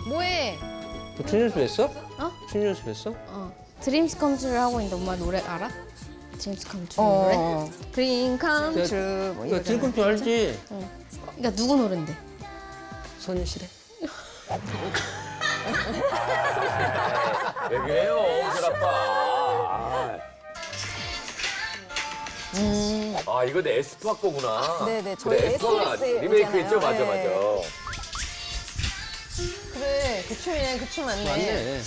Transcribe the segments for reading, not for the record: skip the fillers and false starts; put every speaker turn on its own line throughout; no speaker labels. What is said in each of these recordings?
뭐해?
너 춤 연습했어?
어?
춤 연습했어?
드림스 컴트루를 하고 있는데 엄마 노래 알아? 드림스 컴트루 노래? 드림 컴트루 뭐
야,
이거.
드림컴퓨터 알지?
그러니까 누구 노래인데?
선실해.
왜 그래요, 엄실 아빠. 아, 이거 내 에스파 거구나.
네네, 저희
그래, 에스파가
SBS
리메이크 했죠?
있잖아요.
맞아,
네.
맞아.
그래, 그 춤이네, 그 춤 맞네.
맞네.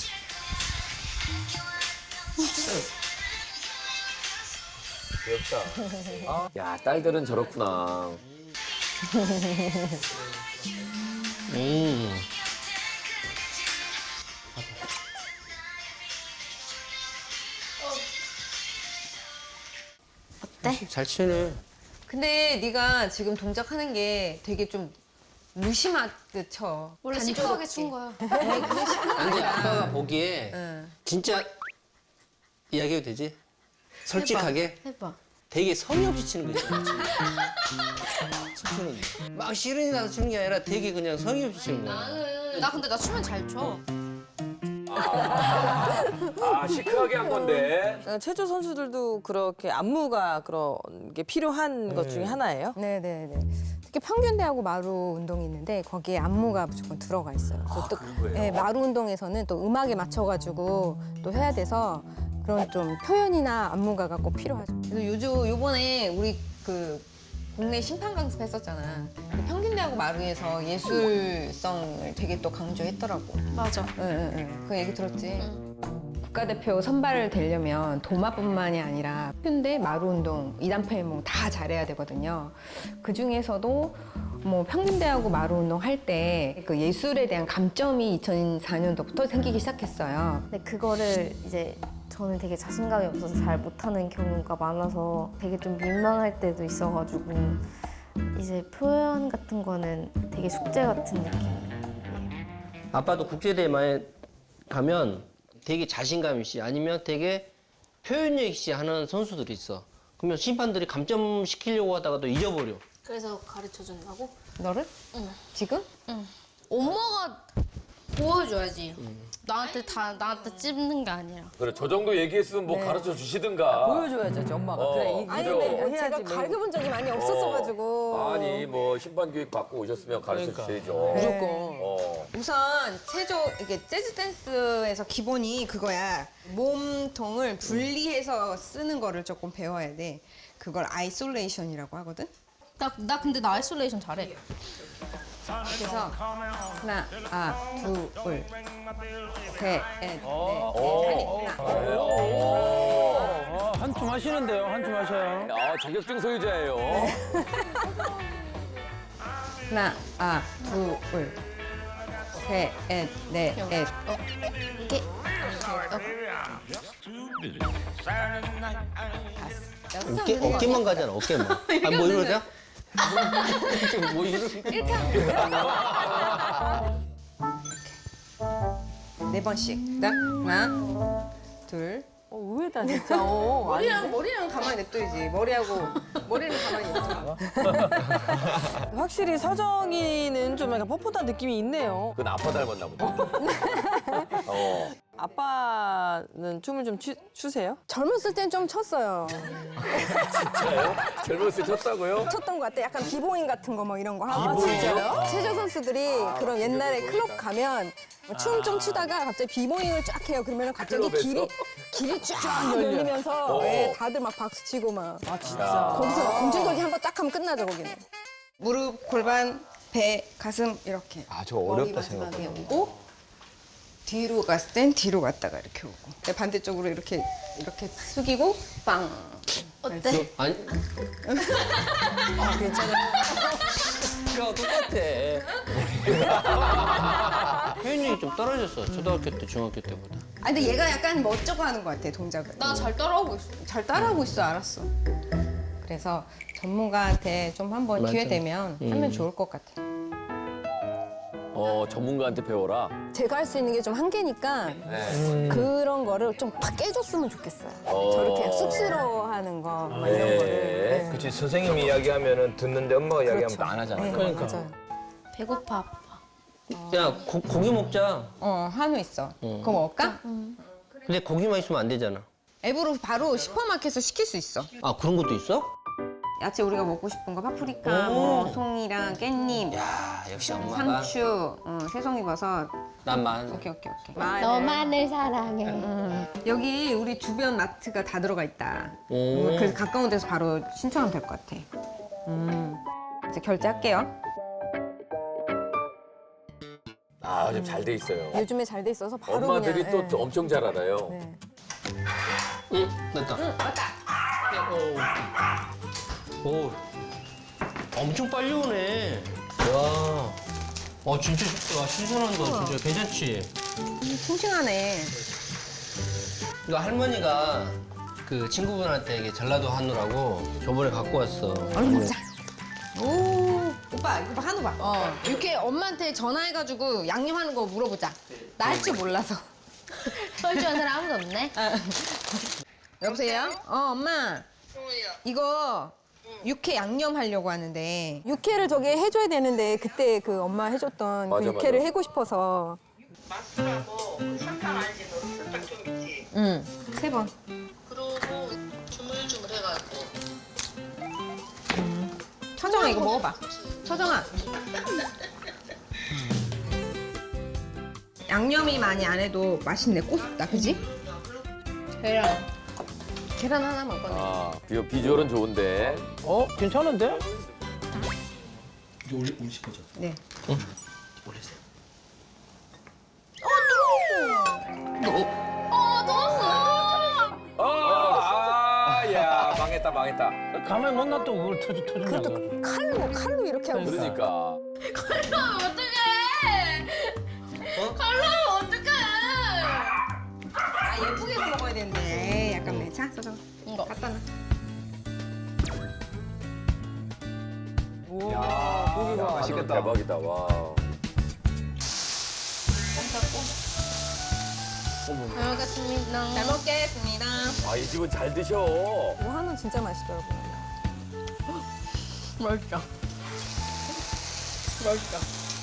귀엽다. 야, 딸들은 저렇구나.
어때?
잘 치네.
근데 네가 지금 동작하는 게 되게 좀 무심하게 쳐.
원래 시크하게 춘 거야.
아니, 아빠가 보기에
응.
진짜 이야기해도 되지? 솔직하게
해봐.
되게 성의 없이 치는 거지. 춤추는 막 시련이 나서 치는 게 아니라 되게 그냥 성의 없이 치는 거야.
나 근데 나 춤은 잘 춰.
아, 시크하게 한 건데.
체조 선수들도 그렇게 안무가 그런 게 필요한 것 중에 하나예요?
네네네. 특히 평균대하고 마루 운동이 있는데 거기에 안무가 무조건 들어가 있어요. 그래서 또 네, 마루 운동에서는 또 음악에 맞춰가지고 또 해야 돼서 그런 좀 표현이나 안무가가 꼭 필요하죠.
그래서 요번에 우리 그 국내 심판 강습했었잖아. 그 평균대하고 마루에서 예술성을 되게 또 강조했더라고.
맞아.
응. 그 얘기 들었지?
국가대표 선발을 되려면 도마뿐만이 아니라 평균대, 마루 운동, 이단표 해몽 다 잘해야 되거든요. 그 중에서도 뭐 평균대하고 마루 운동 할 때 그 예술에 대한 감점이 2004년도부터 생기기 시작했어요.
근데 그거를 이제 저는 되게 자신감이 없어서 잘 못하는 경우가 많아서 되게 좀 민망할 때도 있어가지고 이제 표현 같은 거는 되게 숙제 같은 느낌이에요.
아빠도 국제대회에 가면 되게 자신감 있이 아니면 되게 표현력 있이 하는 선수들이 있어. 그러면 심판들이 감점시키려고 하다가도 잊어버려.
그래서 가르쳐 준다고?
너를?
응.
지금?
응. 엄마가 보여줘야지. 나한테 찝는 게 아니라.
그래, 저 정도 얘기했으면 뭐 가르쳐 주시든가.
보여줘야죠, 엄마가. 그래,
아니
이런
근데
거 해야지.
제가
뭐
가르쳐본 적이 많이 없었어가지고.
아니, 뭐, 심판 교육 받고 오셨으면 가르쳐 주셔야죠.
무조건.
우선 이게 재즈 댄스에서 기본이 그거야. 몸통을 분리해서 쓰는 거를 조금 배워야 돼. 그걸 아이솔레이션이라고 하거든.
나 근데 나 아이솔레이션 잘해.
그래서 하나, 둘, 셋, 넷,
한춤 하시는데요, 한춤 하셔요.
아, 자격증 소유자예요.
하나, 둘, 셋, 넷,
이렇게.
어깨만 가잖아, 어깨만. 아, 뭐 이러자? 뭐 이러자?
네 번씩. 하나, 둘.
의외다, 진짜.
머리랑 가만히 냅둬야지. 머리는 가만히 냅둬.
확실히 서정이는 좀 약간 뻣뻣한 느낌이 있네요.
그건 아빠 닮았나 보다.
아빠는 춤을 좀 추세요?
젊었을 땐 좀 췄어요.
진짜요? 젊었을 때 쳤다고요?
췄던 것 같아. 약간 비보잉 같은 거 뭐 이런 거 하고.
비보잉이요?
체조 선수들이 그런 옛날에 클럽 가면 춤 좀 추다가 갑자기 비보잉을 쫙 해요. 그러면 갑자기
클럽에서?
길이 쫙 열리면서 예, 다들 막 박수 치고 막.
아, 진짜.
거기서 공중돌기 한 번 딱 하면 끝나죠, 거기는.
무릎, 골반, 배, 가슴 이렇게.
아, 저거 어렵다 생각보다.
오고 뒤로 갔을 땐 뒤로 갔다가 이렇게 오고. 네, 반대쪽으로 이렇게 숙이고 빵.
어때?
아니. 괜찮아. 그거 똑같아. 표현력이 좀 떨어졌어. 초등학교 때, 중학교 때보다.
아니 근데 얘가 약간 멋쩍어 하는 것 같아, 동작을.
나 잘 따라하고 있어.
잘 따라하고 있어, 알았어. 그래서 전문가한테 좀 한번
맞아.
기회 되면 하면 좋을 것 같아.
전문가한테 배워라.
제가 할 수 있는 게 좀 한계니까 그런 거를 좀 팍 깨줬으면 좋겠어요. 저렇게 쑥스러워하는 거 막 이런 거를.
그치, 선생님이 이야기하면은 듣는데 엄마가 이야기하면 또 안 하잖아.
네,
그러니까.
맞아요.
배고파 아빠.
야 고기 먹자.
한우 있어.
응.
그거 먹을까?
근데 고기만 있으면 안 되잖아.
앱으로 바로 슈퍼마켓에서 시킬 수 있어.
아 그런 것도 있어?
야채 우리가 먹고 싶은 거 파프리카, 뭐 송이랑 깻잎,
야 역시 엄마가.
상추, 새송이버섯.
난 만.
오케이.
너만을 사랑해.
여기 우리 주변 마트가 다 들어가 있다.
오.
그래서 가까운 데서 바로 신청하면 될 것 같아. 이제 결제할게요.
아, 지금 잘 돼 있어요.
요즘에 잘 돼 있어서 바로
엄마들이
그냥.
또 엄청 잘 알아요.
네.
응 됐다.
맞다.
오. 엄청 빨리 오네. 와. 진짜 와, 신선한다 진짜 괜찮지?
싱싱하네.
이거 할머니가 그 친구분한테 이게 전라도 한우라고 저번에 갖고 왔어.
얼른 먹자. 오, 오빠 이거 봐, 한우 봐. 이렇게 엄마한테 전화해가지고 양념하는 거 물어보자. 나 할 줄 몰라서.
설주한 사람 아무도 없네.
여보세요? 엄마. 이거 육회 양념 하려고 하는데.
육회를 저기 해줘야 되는데 그때 그 엄마 해줬던
맞아,
그 육회를
맞아.
해고 싶어서.
맛술하고 그 설탕 알지? 너 설탕 좀 있지?
응. 3번.
그러고 주물주물 해가지고
처정아 이거 먹어봐. 처정아. 양념이 많이 안 해도 맛있네. 꼬숩다, 그지? 계란 하나만 꺼내.
아, 비주얼은 좋은데.
괜찮은데?
네.
야, 망했다.
가만히 못 놔두고 그걸 터준다고.
칼로 이렇게 하고 있어.
그러니까.
예쁘게 해서 먹어야 되는데. 약간 매. 자, 처정아. 이거. 갖다 놔.
고기가 맛있겠다. 대박이다. 와.
잘 먹겠습니다. 잘 먹겠습니다.
아, 이 집은 잘 드셔.
이거 한우 진짜 맛있더라고요.
맛있다. 맛있다.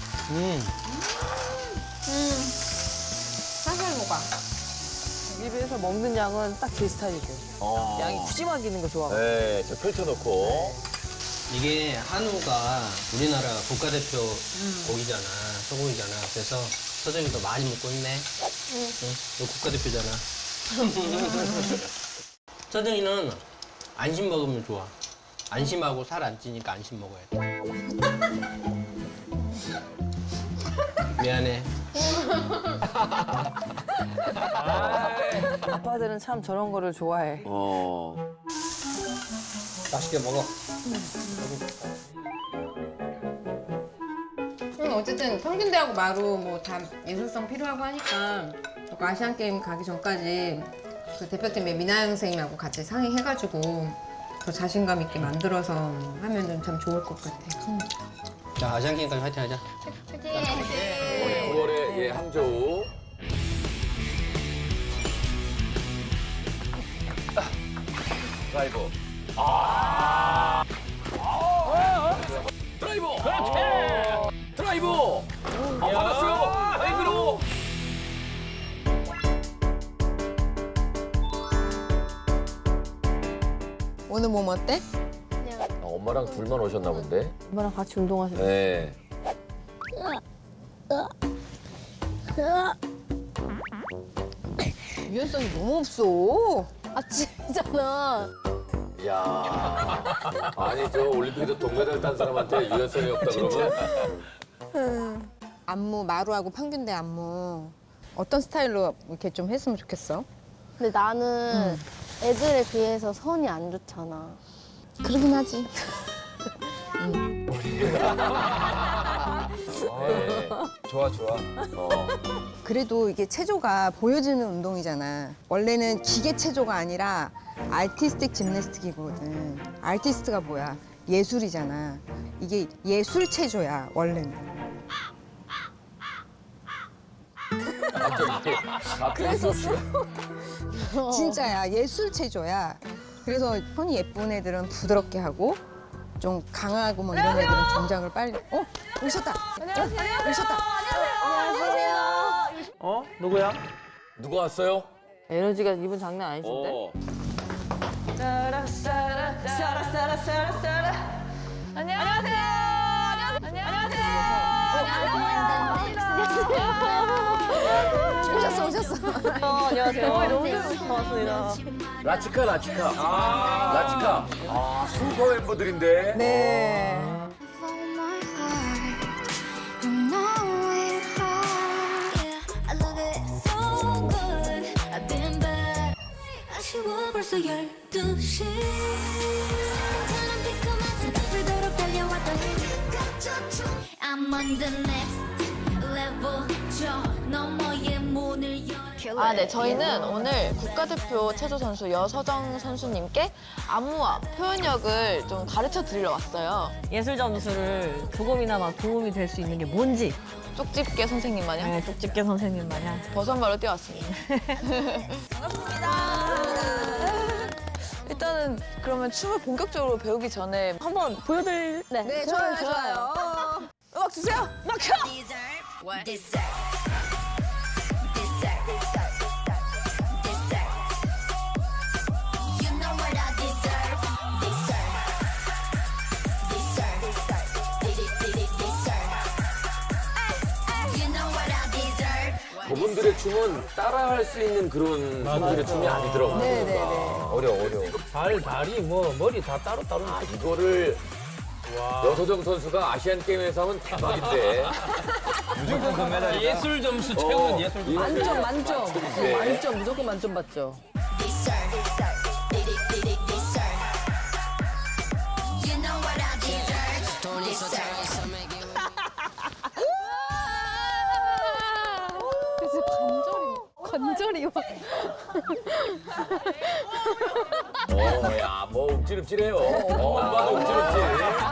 살살 녹아.
집에서 먹는 양은 딱 제 스타일이고. 양이 푸짐하게 있는 거 좋아하고.
네, 저 펼쳐놓고.
이게 한우가 우리나라 국가대표 고기잖아, 소고기잖아. 그래서 서정이도 많이 먹고 있네. 응, 너 국가대표잖아. 서정이는 안심 먹으면 좋아. 안심하고 살 안 찌니까 안심 먹어야 돼. 미안해.
아빠들은 참 저런 거를 좋아해.
맛있게 먹어.
어쨌든 평균대하고 마루 뭐 다 예술성 필요하고 하니까 저거 아시안 게임 가기 전까지 그 대표팀의 미나영 선생님하고 같이 상의해가지고 더 자신감 있게 만들어서 하면은 참 좋을 것 같아.
자, 아시안 게임까지 화이팅 하자.
9월에 예, 항저우. 드라이버. 드라이버. 그렇지. 드라이버. 받았어요. 드라이브로.
오늘 몸 어때?
엄마랑 둘만 오셨나 본데.
엄마랑 같이 운동하세요.
네.
유연성이 너무 없어.
아 진짜잖아.
야. 아니 저 올림픽에서 동메달 딴 사람한테 유연성이 없다 그러면.
안무 마루하고 평균대 안무 어떤 스타일로 이렇게 좀 했으면 좋겠어?
근데 나는 애들에 비해서 선이 안 좋잖아.
그러긴 하지.
네. 좋아.
그래도 이게 체조가 보여지는 운동이잖아. 원래는 기계 체조가 아니라 아티스틱 짐내스틱이거든. 아티스트가 뭐야? 예술이잖아. 이게 예술 체조야, 원래는.
그래서
진짜야, 예술 체조야. 그래서 손이 예쁜 애들은 부드럽게 하고 좀 강하고 뭐 이런 애들은 동작을 빨리. 오셨다. 안녕하세요. 오셨다.
어? 누구야?
누가 왔어요?
에너지가 이분 장난 아니신데?
어.
오셨어.
안녕하세요. 너무 재밌어서 고맙습니다.
라치카. 라치카. 아, 슈퍼 멤버들인데.
네.
아쉬워 벌써 12시 생각보도록 달려왔던 I'm on the next level 저 너머의 문을 열어
아, 네. 저희는 오늘 국가대표 체조 선수 여서정 선수님께 안무와 표현력을 좀 가르쳐 드리러 왔어요.
예술 점수를 조금이나마 도움이 될 수 있는 게 뭔지.
쪽집게 선생님 마냥
네, 쪽집게 선생님 마냥.
버선발로 뛰어왔습니다. 일단은 그러면 춤을 본격적으로 배우기 전에
한번 보여드릴.
네, 좋아요.
음악 주세요. 음악 켜.
그분들의 춤은 따라할 수 있는 그런 분들의 춤이 아니더라고요.
네네네.
어려워.
발, 다리, 뭐 머리 다 따로.
아, 이거를 여서정 선수가 아시안 게임에서 하면 대박인데.
무조건 금메달. 예술 점수 최고는 예술 점수.
만점, 만점.
네.
만점, 무조건 만점 받죠.
그래서 관절이 막.
야, 뭐 움찔움찔해요. 엄마도 움찔움찔.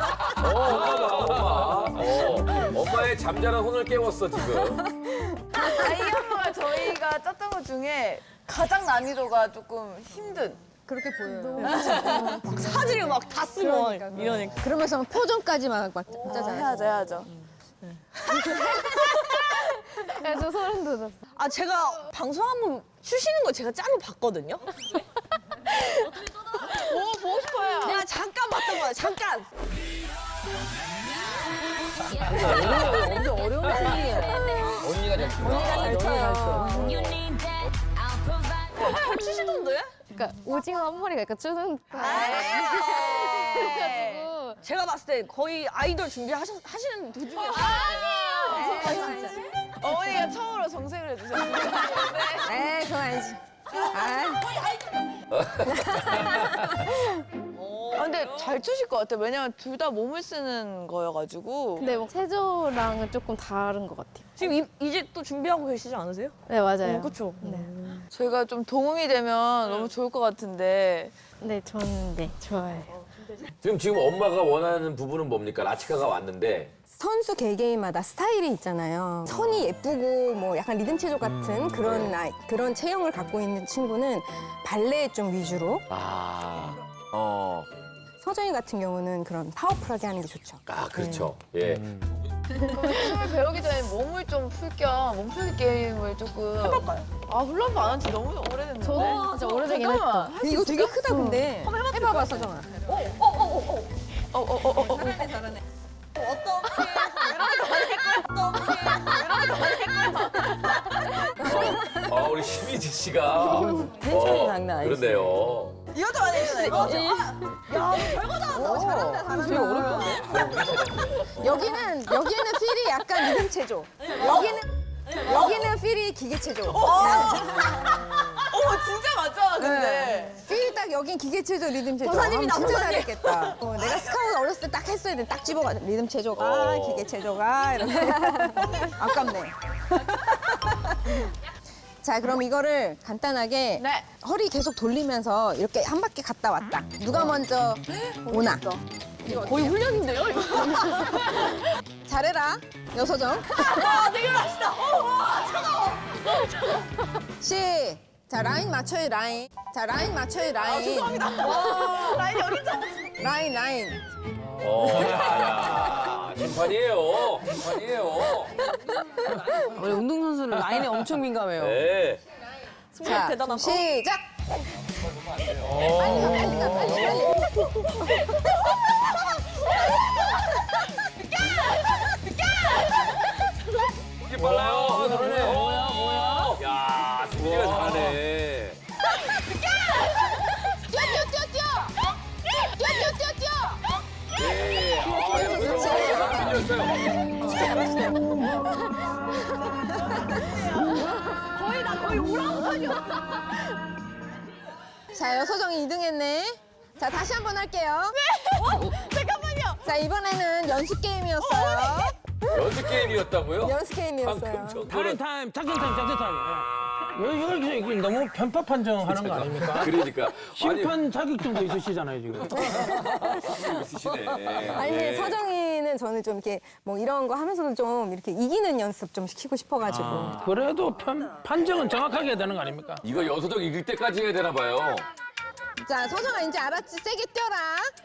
엄마. 엄마의 잠자는 혼을 깨웠어, 지금.
아이 안무가 저희가 짰던 것 중에 가장 난이도가 조금 힘든.
그렇게 보여요.
사지를 막 다 쓰고 이러니까.
그러면서 표정까지 막 진짜 잘해.
해야죠.
저 소름 돋았어.
아, 제가 방송 한번 추시는 거 제가 짤로 봤거든요. 오, 보고 싶어요. 내가 잠깐 봤던 거야, 잠깐.
엄청 어려운 춤이에요.
언니가 잘 춰.
잘 추시던데?
그러니까 오징어 한 마리가 약간 쭈는.
그래가지고 제가 봤을 때 거의 아이돌 준비하시는 도중이었어요. 아니에요. 어머니가 처음으로 정색을 해주셨어요.
에이, 그건 아니지.
아, 근데 잘 추실 것 같아요. 왜냐면 둘 다 몸을 쓰는 거여가지고.
근데 뭐 체조랑은 조금 다른 것 같아요.
지금 이제 또 준비하고 계시지 않으세요?
네, 맞아요.
그렇죠.
네.
저희가 좀 도움이 되면 너무 좋을 것 같은데.
네, 저는 네, 좋아해요.
지금 엄마가 원하는 부분은 뭡니까? 라치카가 왔는데.
선수 개개인마다 스타일이 있잖아요. 선이 예쁘고 뭐 약간 리듬 체조 같은 그런 체형을 갖고 있는 친구는 발레 좀 위주로. 서정이 같은 경우는 그런 파워풀하게 하는 게 좋죠.
아, 그렇죠. 예.
춤을 배우기 전에 몸을 좀 풀 겸 몸풀기 게임을 조금 해볼까요? 아, 훌라프 안 한 지 너무 오래됐는데.
저도 진짜 오래되긴 했다.
이거 되게 크다 근데.
해봐봐, 서정아.
우리 심희지 씨가.
텐션이 장난 아니지.
그러네요.
이것도 많이 했잖아요. 이거. 야, 별거 다 한다. 잘한다.
되게 어렵던데?
여기는 필이 약간 리듬 체조. 여기는 필이 기계 체조.
진짜 맞잖아, 근데.
필이 딱 여긴 기계 체조, 리듬 체조.
도사님이다,
진짜
도사님.
잘했겠다. 내가 스카우트 어렸을 때 딱 했어야 돼. 딱 집어가. 리듬 체조가, 기계 체조가 이러면 아깝네. 자, 그럼 이거를 간단하게
네.
허리 계속 돌리면서 이렇게 한 바퀴 갔다 왔다. 누가 먼저 오나.
거의 훈련인데요, 이거?
잘해라, 여서정.
와, 되게 맛있다. 차가워.
자, 라인 맞춰요, 라인. 자, 라인 맞춰요, 라인.
죄송합니다. 와, 라인이 어딨죠?
라인.
야. 심판이에요. 심판이에요.
원래 운동선수는 라인에 엄청 민감해요.
네.
자,
대단하다.
시작.
이게 빨라요. 그러네. 뭐야? 야, 승리가 잘하네. 예. 아, 여기서 밀렸어요.
자, 여서정이 2등 했네. 자, 다시 한번 할게요.
잠깐만요.
자, 이번에는 연습 게임이었어요.
연습 게임이었다고요?
연습 게임이었어요.
방금 정도는
타임, 작전 타임. 이거 너무 편파 판정하는 거 아닙니까?
그러니까.
심판 자격증도 있으시잖아요, 지금.
있으시네.
아니 근데 서정이는 저는 좀 이렇게 뭐 이런 거 하면서도 좀 이렇게 이기는 연습 좀 시키고 싶어가지고.
그래도 판정은 정확하게 해야 되는 거 아닙니까?
이거 여서정 이길 때까지 해야 되나 봐요.
자, 서정아 이제 알았지? 세게 뛰어라.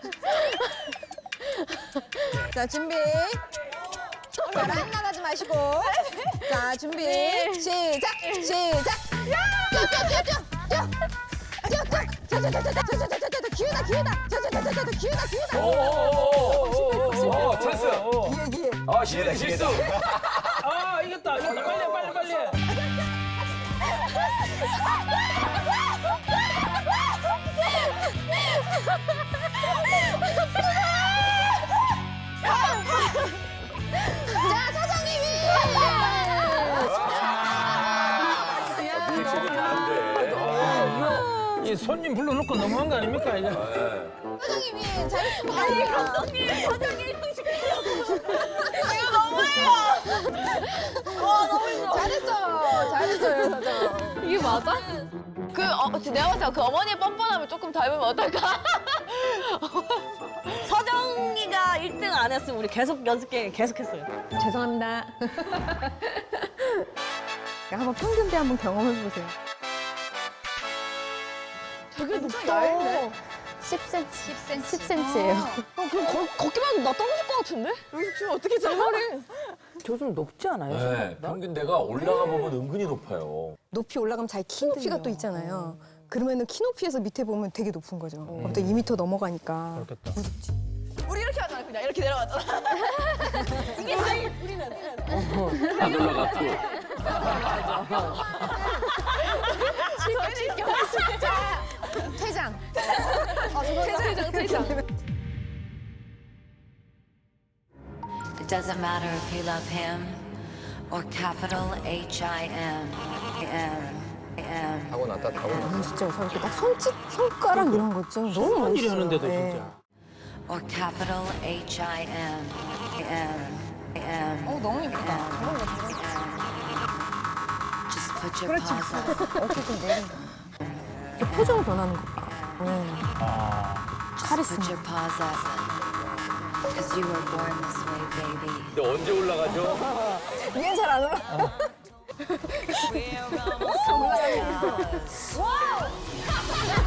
자, 준비. 자, 라인 나가지 마시고. 자, 준비. 시작. 시작. 뛰어, 뛰어, 뛰어, 뛰어. 뛰어. 뛰어, 뛰어. 자, 기회다, 기회다. 자, 기회다.
오, 찬스. 아, 실수, 실수.
아, 이겼다. 빨리.
자, 서정이 위!
리액션이 다른데.
이 손님 불러놓고 너무한 거 아닙니까, 이제?
서정이 위! 잘했어.
아니 감독님 사장님 1등 시키려고. 이거 너무해요. 와 너무 힘들어.
잘했어요, 서정.
이게 맞아? 내가 봤을 때 그 어머니의 뻔뻔함을 조금 닮으면 어떨까? 서정이가 1등 안 했으면 우리 계속 연습 게임 계속했어요.
죄송합니다. 한번 평균대 한번 경험해 보세요.
되게 높다.
10cm예요.
그럼 걷기만 해도 나 떨어질 것 같은데? 여기서 지금 어떻게 잘하래?
저 좀 높지 않아요?
네,
생각보다?
평균대가 올라가 보면 은근히 높아요.
높이 올라가면 자기 키 높이가 또 있잖아요. 그러면은 키 높이에서 밑에 보면 되게 높은 거죠. 갑자기 2m 넘어가니까.
그렇겠다.
우리 이렇게 하잖아, 그냥 이렇게 내려가잖아. 이게 제일 우리는.
안 올라갔고.
저희는 이렇게 하고
퇴장.
퇴장.
It doesn't matter if you love him or capital H-I-M.
타고났다.
진짜 저렇게 딱 손가락 이런 것 좀 너무 멋있어요.
일이 하는데도
네.
진짜.
Or capital H-I-M.
너무 예쁘다.
Just put your paws up.
어깨 좀 내린다. 표정 변하는 거 봐.
Just put your paws up. Cause you were born this way, baby.
근데 언제 올라가죠?
얘는 잘 안 올라.
We're almost